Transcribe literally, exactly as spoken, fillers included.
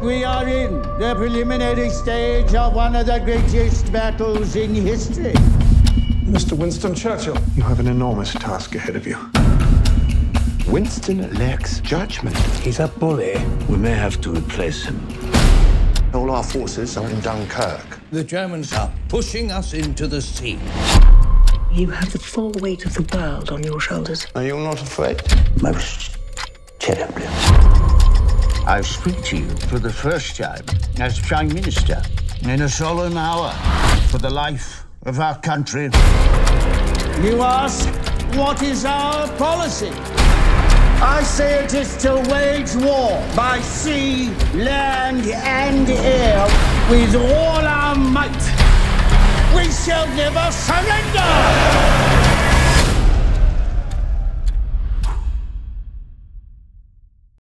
We are in the preliminary stage of one of the greatest battles in history. Mister Winston Churchill, you have an enormous task ahead of you. Winston lacks judgment. He's a bully. We may have to replace him. All our forces are in Dunkirk. The Germans are pushing us into the sea. You have the full weight of the world on your shoulders. Are you not afraid? Most terribly. I speak to you for the first time as Prime Minister in a solemn hour for the life of our country. You ask, what is our policy? I say it is to wage war by sea, land, and air with all our might. We shall never surrender!